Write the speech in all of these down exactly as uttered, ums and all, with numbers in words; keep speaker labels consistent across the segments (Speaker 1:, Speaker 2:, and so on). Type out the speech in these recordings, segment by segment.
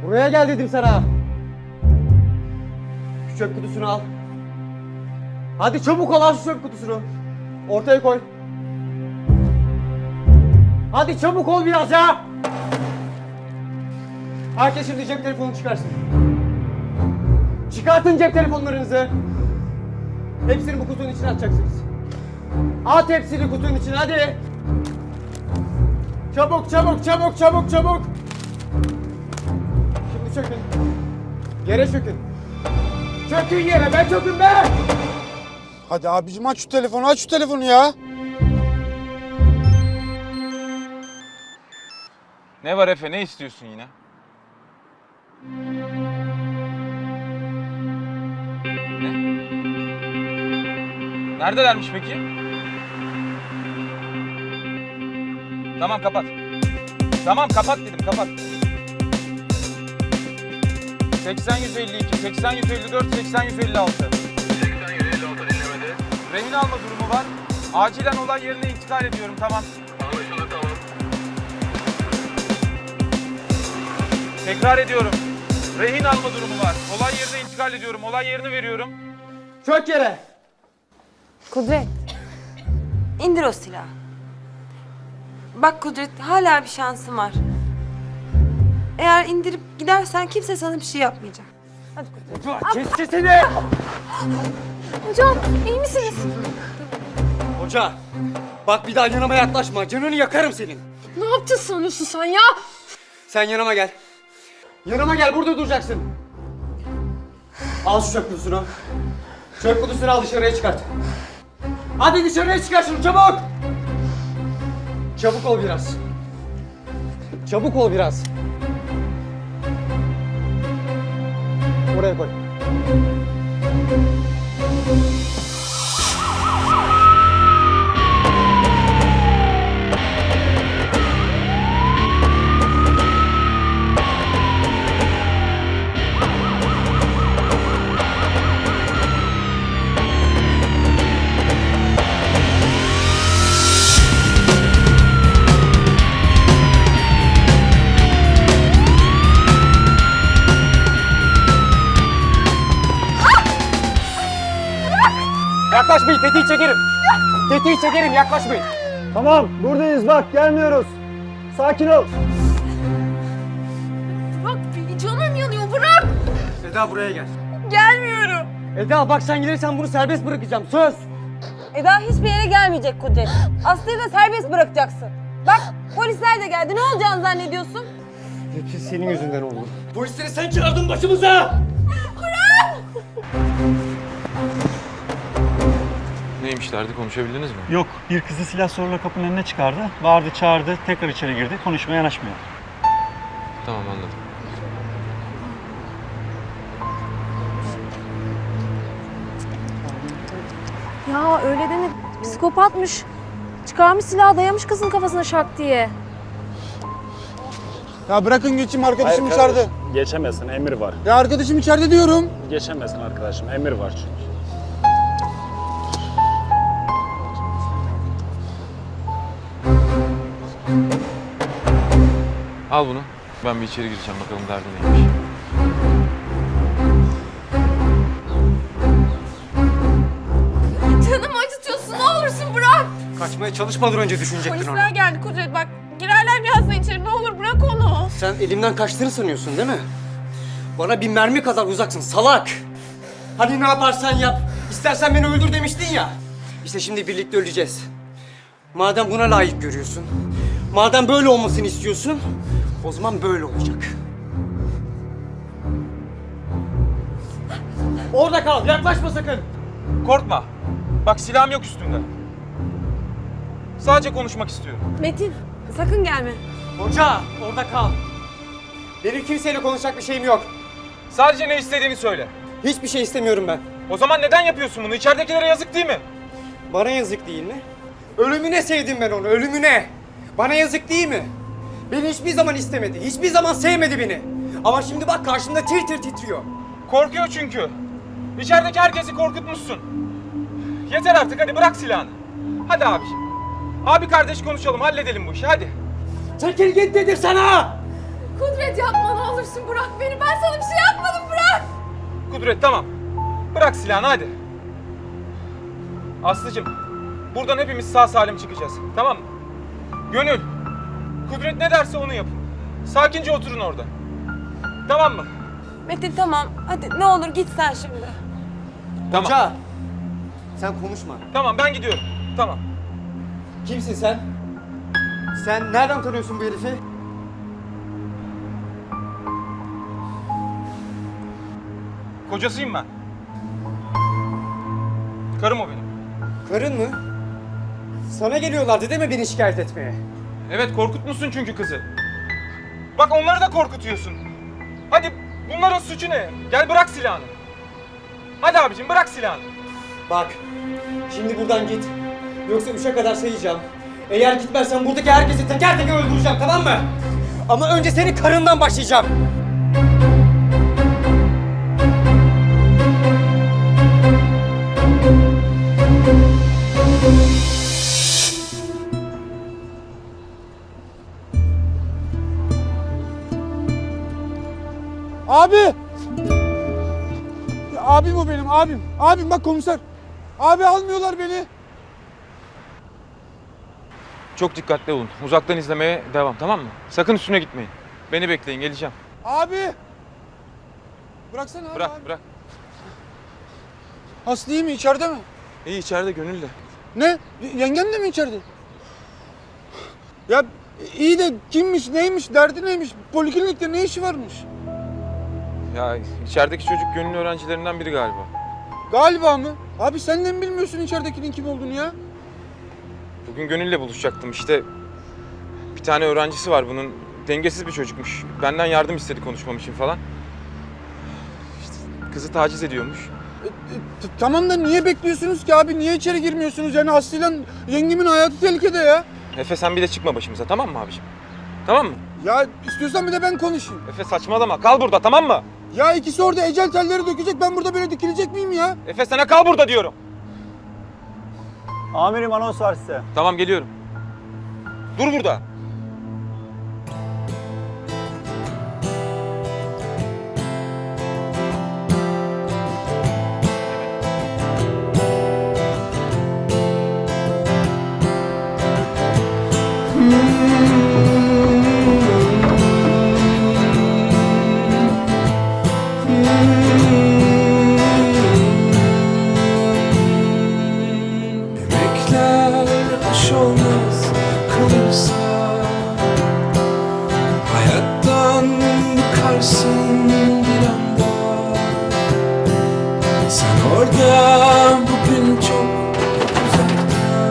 Speaker 1: Buraya gel dedim sana. Şu çöp kutusunu al. Hadi çabuk ol, al şu çöp kutusunu. Ortaya koy. Hadi çabuk ol biraz ya. Herkes şimdi cep telefonunu çıkarsın. Çıkartın cep telefonlarınızı. Hepsini bu kutunun içine atacaksınız. At hepsini kutunun içine, hadi. Çabuk çabuk çabuk çabuk çabuk. Şimdi çökün. Yere çökün. Çökün yere, ben çökün be.
Speaker 2: Hadi abicim aç şu telefonu, aç şu telefonu ya.
Speaker 3: Ne var Efe, ne istiyorsun yine? Ne? Neredelermiş peki? Tamam kapat. Tamam kapat dedim, kapat. seksen yüz elli iki, seksen yüz elli dört, seksen yüz elli altı.
Speaker 4: seksen yüz elli altı dinlemede.
Speaker 3: Rehin alma durumu var. Acilen olay yerine intikal ediyorum, tamam.
Speaker 4: Anlaşıldı, tamam.
Speaker 3: Tekrar ediyorum. Rehin alma durumu var. Olay yerine intikal ediyorum. Olay yerini veriyorum.
Speaker 1: Çök yere.
Speaker 5: Kudret, indir o silahı. Bak Kudret, hala bir şansın var. Eğer indirip gidersen kimse sana bir şey yapmayacak. Hadi Kudret.
Speaker 1: Kes sesini.
Speaker 6: Hocam iyi misiniz?
Speaker 1: Hoca, bak bir daha yanıma yaklaşma. Canını yakarım senin.
Speaker 6: Ne yaptın sanıyorsun sen ya?
Speaker 1: Sen yanıma gel. Yanıma gel, burada duracaksın. Al şu çöp kutusunu. Çöp kutusunu al, dışarıya çıkart. Hadi dışarıya çıkar şunu, çabuk. Çabuk ol biraz. Çabuk ol biraz. Oraya koy. Yaklaşmayın, tetiği çekerim. Tetiği çekerim, yaklaşmayın.
Speaker 7: Tamam, buradayız bak, gelmiyoruz. Sakin ol.
Speaker 6: Bırak, canım yanıyor, bırak.
Speaker 1: Eda buraya gel.
Speaker 5: Gelmiyorum.
Speaker 1: Eda bak, sen gelirsen bunu serbest bırakacağım, söz.
Speaker 5: Eda hiçbir yere gelmeyecek Kudret. Aslı'yı da serbest bırakacaksın. Bak polisler de geldi. Ne olacağını zannediyorsun?
Speaker 1: Hepsi senin yüzünden oldu. Polisleri sen çağırdın başımıza.
Speaker 3: Neymişlerdi, konuşabildiniz mi?
Speaker 7: Yok, bir kızı silah zorla kapının önüne çıkardı. Bağırdı, çağırdı, tekrar içeri girdi. Konuşmaya yanaşmıyor.
Speaker 3: Tamam, anladım.
Speaker 6: Ya öyle deme, psikopatmış. Çıkarmış silahı, dayamış kızın kafasına şak diye.
Speaker 2: Ya bırakın geçeyim, arkadaşım içeride.
Speaker 7: Geçemezsin, emir var.
Speaker 2: Ya arkadaşım içeride diyorum.
Speaker 7: Geçemezsin arkadaşım, emir var çünkü.
Speaker 3: Al bunu. Ben bir içeri gireceğim, bakalım derdi neymiş.
Speaker 6: Canımı acıtıyorsun, ne olursun bırak.
Speaker 1: Kaçmaya çalışmadan önce düşünecektin onu.
Speaker 6: Polisler geldi Kudret, bak girerler birazdan içeri, ne olur bırak onu.
Speaker 1: Sen elimden kaçtığını sanıyorsun değil mi? Bana bir mermi kadar uzaksın salak. Hani ne yaparsan yap. İstersen beni öldür demiştin ya. İşte şimdi birlikte öleceğiz. Madem buna layık görüyorsun, madem böyle olmasını istiyorsun, o zaman böyle olacak. Orada kal, yaklaşma sakın.
Speaker 3: Korkma. Bak silahım yok üstümde. Sadece konuşmak istiyorum.
Speaker 5: Metin sakın gelme.
Speaker 1: Hoca, orada kal. Benim kimseyle konuşacak bir şeyim yok.
Speaker 3: Sadece ne istediğini söyle.
Speaker 1: Hiçbir şey istemiyorum ben.
Speaker 3: O zaman neden yapıyorsun bunu? İçeridekilere yazık değil mi?
Speaker 1: Bana yazık değil mi? Ölümüne sevdim ben onu, ölümüne. Bana yazık değil mi? Beni hiçbir zaman istemedi, hiçbir zaman sevmedi beni. Ama şimdi bak karşımda tir tir titriyor.
Speaker 3: Korkuyor çünkü. İçerideki herkesi korkutmuşsun. Yeter artık, hadi bırak silahını. Hadi abiciğim. Abi kardeş konuşalım, halledelim bu işi, hadi.
Speaker 1: Çekil git dedim sana!
Speaker 6: Kudret yapma, ne olur olursun bırak beni. Ben sana bir şey yapmadım, bırak.
Speaker 3: Kudret tamam. Bırak silahını hadi. Aslıcığım, buradan hepimiz sağ salim çıkacağız. Tamam mı? Gönül, Kudret ne derse onu yapın. Sakince oturun orada. Tamam mı?
Speaker 5: Metin tamam. Hadi ne olur git sen şimdi.
Speaker 3: Tamam.
Speaker 1: Hoca, sen konuşma.
Speaker 3: Tamam ben gidiyorum. Tamam.
Speaker 1: Kimsin sen? Sen nereden tanıyorsun bu herifi?
Speaker 3: Kocasıyım ben. Karım o benim.
Speaker 1: Karın mı? Sana geliyorlardı değil mi beni şikayet etmeye?
Speaker 3: Evet korkutmuşsun çünkü kızı. Bak onları da korkutuyorsun. Hadi bunların suçu ne? Gel bırak silahını. Hadi abicim bırak silahını.
Speaker 1: Bak, şimdi buradan git. Yoksa üçe kadar sayacağım. Eğer gitmezsen buradaki herkesi teker teker öldüreceğim, tamam mı? Ama önce senin karından başlayacağım.
Speaker 2: Abi! Ya abim o benim, abim. Abim bak komiser. Abi almıyorlar beni.
Speaker 3: Çok dikkatli olun. Uzaktan izlemeye devam tamam mı? Sakın üstüne gitmeyin. Beni bekleyin geleceğim.
Speaker 2: Abi! Bıraksana abi.
Speaker 3: Bırak
Speaker 2: abi.
Speaker 3: bırak.
Speaker 2: Aslı iyi mi? İçeride mi?
Speaker 3: İyi içeride Gönül de.
Speaker 2: Ne? Y- Yengen de mi içeride? Ya iyi de kimmiş, neymiş, derdi neymiş? Poliklinikte ne işi varmış?
Speaker 3: Ya içerideki çocuk Gönül'ün öğrencilerinden biri galiba.
Speaker 2: Galiba mı? Abi sen de mi bilmiyorsun içeridekinin kim olduğunu ya?
Speaker 3: Bugün Gönül'le buluşacaktım işte. Bir tane öğrencisi var bunun. Dengesiz bir çocukmuş. Benden yardım istedi konuşmam için falan. İşte kızı taciz ediyormuş.
Speaker 2: E, e, t- tamam da niye bekliyorsunuz ki abi? Niye içeri girmiyorsunuz? Yani Aslı'yla yengemin hayatı tehlikede ya.
Speaker 3: Efe sen bir de çıkma başımıza tamam mı abiciğim? Tamam mı?
Speaker 2: Ya istiyorsan bir de ben konuşayım.
Speaker 3: Efe saçmalama kal burada tamam mı?
Speaker 2: Ya ikisi orada ecel telleri dökecek, ben burada böyle dikilecek miyim ya?
Speaker 3: Efe sana kal burada diyorum.
Speaker 7: Amirim anons var size.
Speaker 3: Tamam geliyorum. Dur burada.
Speaker 8: Emekler aş olmaz kalırsa, hayattan bıkarsın bir anda. Sen orada bugün çok uzakta.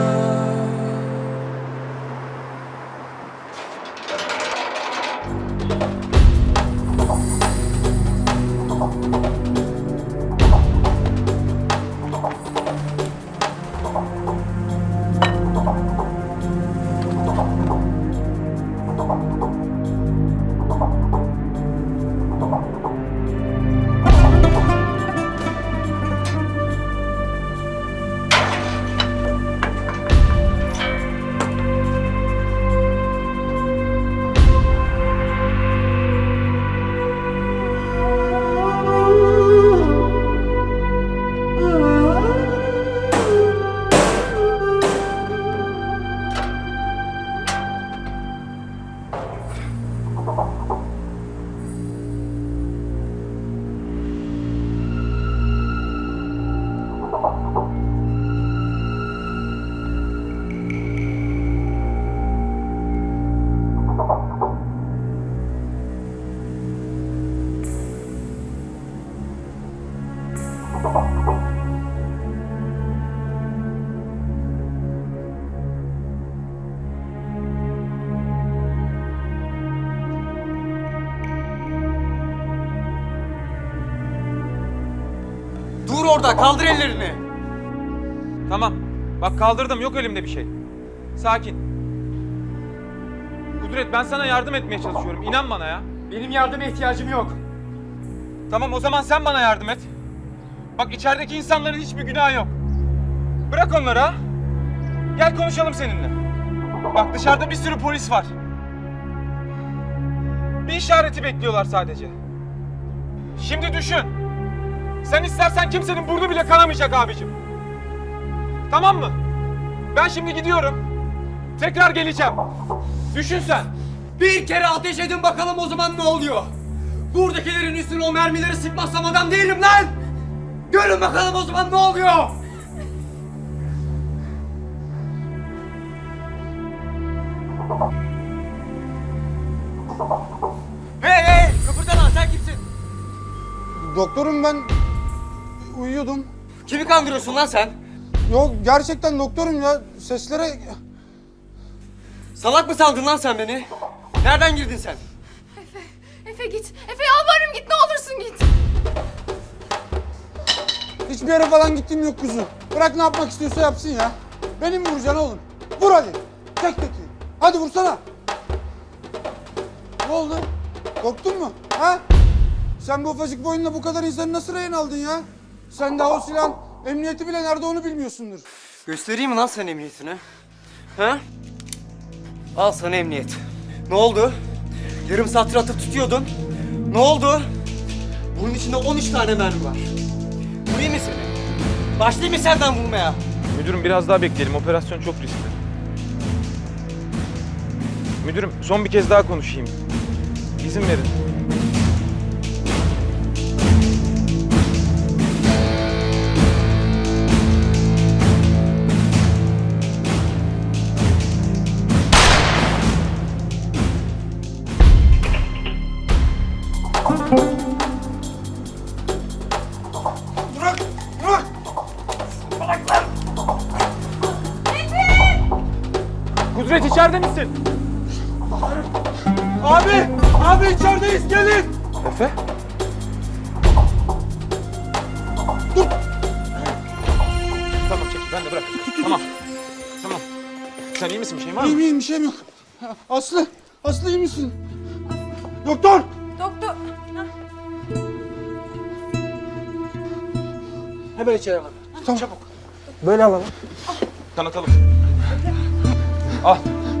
Speaker 1: Dur orada, kaldır ellerini.
Speaker 3: Tamam. Bak kaldırdım yok elimde bir şey. Sakin. Kudret ben sana yardım etmeye çalışıyorum. İnan bana ya.
Speaker 1: Benim yardıma ihtiyacım yok.
Speaker 3: Tamam o zaman sen bana yardım et. Bak içerideki insanların hiçbir günahı yok. Bırak onları ha. Gel konuşalım seninle. Bak dışarıda bir sürü polis var. Bir işareti bekliyorlar sadece. Şimdi düşün. Sen istersen kimsenin burnu bile kanamayacak abicim. Tamam mı? Ben şimdi gidiyorum. Tekrar geleceğim. Düşün sen.
Speaker 1: Bir kere ateş edin bakalım o zaman ne oluyor? Buradakilerin üstüne o mermileri sıkmazsam adam değilim lan! Görün bakalım o zaman ne oluyor? Hey hey! Kıpırdama lan, sen kimsin?
Speaker 2: Doktorum ben uyuyordum.
Speaker 1: Kimi kandırıyorsun lan sen?
Speaker 2: Yok gerçekten doktorum ya. Seslere...
Speaker 1: Salak mı sandın lan sen beni? Nereden girdin sen?
Speaker 9: Efe, Efe git. Efe yalvarırım git ne olursun git.
Speaker 2: Hiçbir yere falan gittiğim yok kuzu. Bırak ne yapmak istiyorsa yapsın ya. Benim vuracaksın oğlum. Vur hadi. Tek tek. Hadi vursana. Ne oldu? Korktun mu? Ha? Sen bu ufacık boyunla bu kadar insanı nasıl rehin aldın ya? Sen daha o silahın emniyeti bile nerede onu bilmiyorsundur.
Speaker 1: Göstereyim mi lan sen emniyetini? Ha? Al sana emniyet. Ne oldu? Yarım saattir atıp tutuyordun. Ne oldu? Bunun içinde on üç tane mermi var. Vurayım mı seni? Başlayayım mı senden vurmaya?
Speaker 3: Müdürüm biraz daha bekleyelim. Operasyon çok riskli. Müdürüm son bir kez daha konuşayım. İzin verin.
Speaker 2: Bırak! Bırak!
Speaker 3: Kudret içeride misin?
Speaker 2: Abi! Abi içerideyiz gelin!
Speaker 3: Efe?
Speaker 2: Dur!
Speaker 3: Tamam çekil ben de bırak. Tamam. Tamam. Sen iyi misin? Bir şeyin var
Speaker 2: İyiyim
Speaker 3: mı?
Speaker 2: iyiyim bir şeyim yok. Aslı! Aslı iyi misin? Doktor!
Speaker 5: Doktor.
Speaker 1: Hemen içeri alalım.
Speaker 2: Tamam.
Speaker 1: Böyle alalım.
Speaker 3: Kanatalım. Al.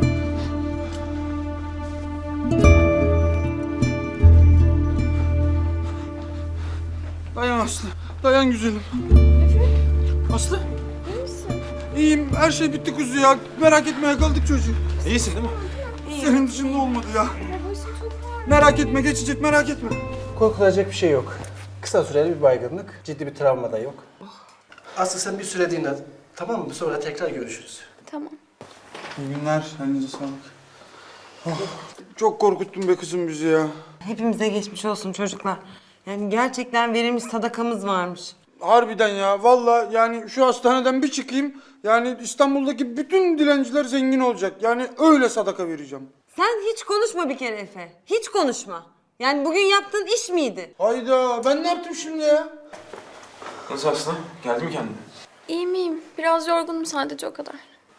Speaker 2: Dayan Aslı. Dayan güzelim. Aslı? İyi misin? İyiyim. Her şey bitti kuzu ya. Merak etme yakaladık çocuğu.
Speaker 3: İyisin değil mi?
Speaker 2: Senin dışında olmadı ya. Merak etme geçecek merak etme.
Speaker 10: Korkulacak bir şey yok. Kısa süreli bir baygınlık, ciddi bir travma da yok. Aslı sen bir süre dinlen. Tamam mı? Sonra tekrar görüşürüz.
Speaker 9: Tamam.
Speaker 2: İyi günler. Elinize sağlık. Oh, çok korkuttun be kızım bizi ya.
Speaker 5: Hepimize geçmiş olsun çocuklar. Yani gerçekten verilmiş sadakamız varmış.
Speaker 2: Harbiden ya. Vallahi yani şu hastaneden bir çıkayım. Yani İstanbul'daki bütün dilenciler zengin olacak. Yani öyle sadaka vereceğim.
Speaker 5: Sen hiç konuşma bir kere Efe. Hiç konuşma. Yani bugün yaptığın iş miydi?
Speaker 2: Hayda ben ne yaptım şimdi ya?
Speaker 3: Nasıl Aslı? Geldi mi kendine?
Speaker 9: İyiyim iyiyim. Biraz yorgunum sadece o kadar.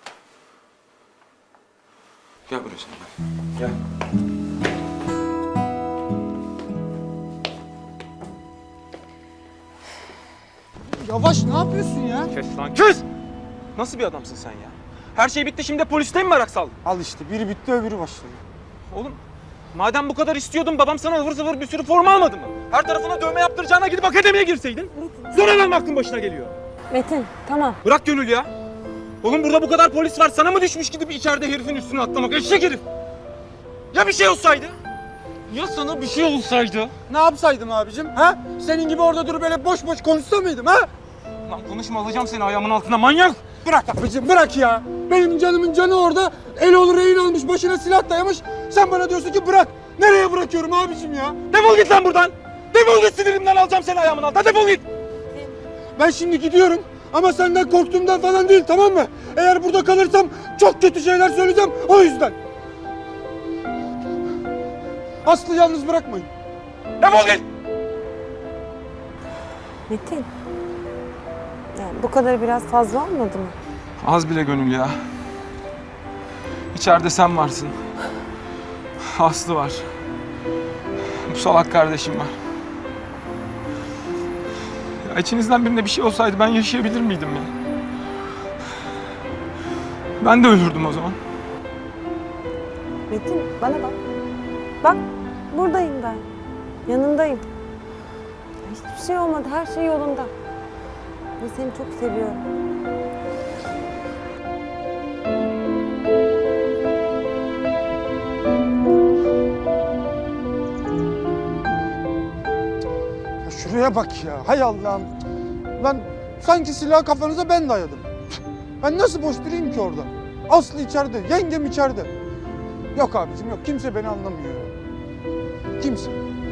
Speaker 3: Gel buraya sen. Gel.
Speaker 2: Yavaş ne yapıyorsun ya?
Speaker 3: Kes lan kes! Nasıl bir adamsın sen ya? Her şey bitti şimdi de poliste mi merak saldın?
Speaker 2: Al işte biri bitti öbürü başladı.
Speaker 3: Oğlum madem bu kadar istiyordun babam sana ıvır zıvır bir sürü forma almadı mı? Her tarafına dövme yaptıracağına gidip akademiye girseydin. Sonradan mı aklın başına geliyor?
Speaker 6: Metin tamam.
Speaker 3: Bırak Gönül ya. Oğlum burada bu kadar polis var sana mı düşmüş gidip içeride herifin üstüne atlamak? Eşek herif. Ya bir şey olsaydı? Ya sana bir şey olsaydı?
Speaker 2: Ne yapsaydım abicim ha? Senin gibi orada durup böyle boş boş konuşsa mıydım ha?
Speaker 3: Lan konuşma alacağım seni ayağımın altına manyak.
Speaker 2: Bırak abicim bırak ya. Benim canımın canı orada. El olur rehin almış başına silah dayamış. Sen bana diyorsun ki bırak. Nereye bırakıyorum abicim ya?
Speaker 3: Defol git lan buradan. Defol git sinirimden alacağım seni ayağımın altına defol git.
Speaker 2: Ben şimdi gidiyorum. Ama senden korktuğumdan falan değil tamam mı? Eğer burada kalırsam çok kötü şeyler söyleyeceğim o yüzden. Aslı yalnız bırakmayın.
Speaker 3: Defol git.
Speaker 5: Metin. Yani bu kadar biraz fazla olmadı mı?
Speaker 3: Az bile Gönül ya. İçeride sen varsın. Aslı var. Bu salak kardeşim var. Ya içinizden birine bir şey olsaydı ben yaşayabilir miydim ya? Ben de ölürdüm o zaman.
Speaker 5: Metin bana bak. Bak buradayım ben. Yanındayım. Hiçbir şey olmadı, her şey yolunda. Ve seni çok seviyorum.
Speaker 2: Ya şuraya bak ya. Hay Allah'ım. Lan sanki silahı kafanıza ben dayadım. Ben nasıl boş durayım ki orada? Aslı içeride, yengem içeride. Yok abicim yok. Kimse beni anlamıyor. Kimse.